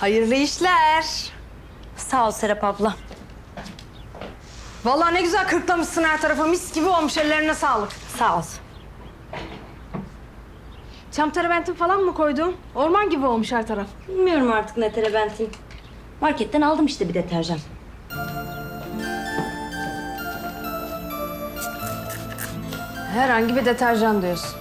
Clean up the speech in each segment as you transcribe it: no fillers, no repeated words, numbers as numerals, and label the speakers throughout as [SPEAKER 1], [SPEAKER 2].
[SPEAKER 1] Hayırlı işler.
[SPEAKER 2] Sağ ol Serap abla.
[SPEAKER 1] Vallahi ne güzel kırklamışsın her tarafa. Mis gibi olmuş, ellerine sağlık.
[SPEAKER 2] Sağ ol.
[SPEAKER 1] Çam terebentin falan mı koydun? Orman gibi olmuş her taraf.
[SPEAKER 2] Bilmiyorum artık ne terebentin. Marketten aldım işte bir deterjan.
[SPEAKER 1] Herhangi bir deterjan diyorsun.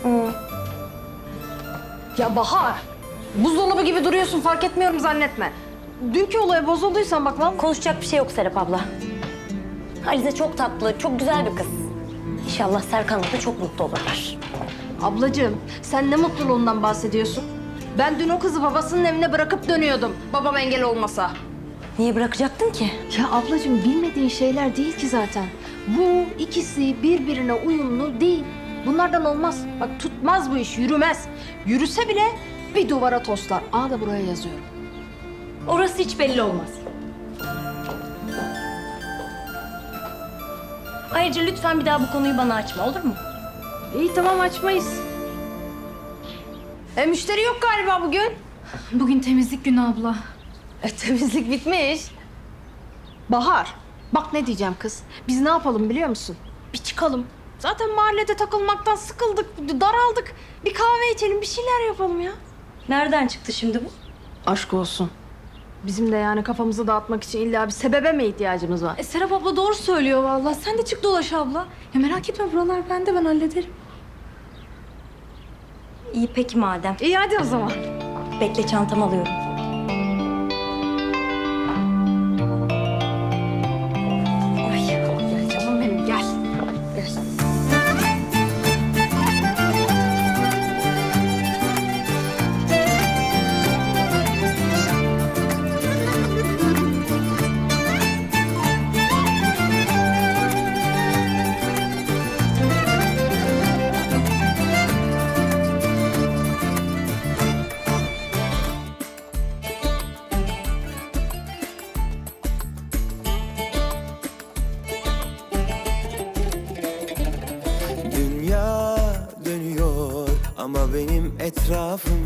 [SPEAKER 1] Ya Bahar, buzdolabı gibi duruyorsun, fark etmiyorum zannetme. Dünkü olaya bozulduysan bak vallahi...
[SPEAKER 2] Konuşacak bir şey yok Serap abla. Alize çok tatlı, çok güzel bir kız. İnşallah Serkan'la da çok mutlu olurlar.
[SPEAKER 1] Ablacığım, sen ne mutluluğundan bahsediyorsun? Ben dün o kızı babasının evine bırakıp dönüyordum, babam engel olmasa.
[SPEAKER 2] Niye bırakacaktın ki?
[SPEAKER 1] Ya ablacığım, bilmediğin şeyler değil ki zaten. Bu ikisi birbirine uyumlu değil. Bunlardan olmaz. Bak tutmaz bu iş, yürümez. Yürüse bile bir duvara toslar. Aa da buraya yazıyorum.
[SPEAKER 2] Orası hiç belli olmaz. Ayrıca lütfen bir daha bu konuyu bana açma, olur mu?
[SPEAKER 1] İyi tamam, açmayız. Müşteri yok galiba bugün.
[SPEAKER 3] Bugün temizlik günü abla.
[SPEAKER 1] Temizlik bitmiş. Bahar, bak ne diyeceğim kız. Biz ne yapalım biliyor musun? Bir çıkalım. Zaten mahallede takılmaktan sıkıldık, daraldık. Bir kahve içelim, bir şeyler yapalım ya.
[SPEAKER 2] Nereden çıktı şimdi bu?
[SPEAKER 1] Aşk olsun. Bizim de yani kafamızı dağıtmak için illa bir sebebe mi ihtiyacımız var?
[SPEAKER 3] Serap abla doğru söylüyor vallahi. Sen de çık dolaş abla. Ya merak etme buralar bende, ben hallederim.
[SPEAKER 2] İyi peki madem.
[SPEAKER 1] İyi hadi o zaman.
[SPEAKER 2] Bekle çantamı alıyorum.
[SPEAKER 1] Ay, gel canım benim, gel. Gel.
[SPEAKER 4] Dünya dönüyor ama benim etrafım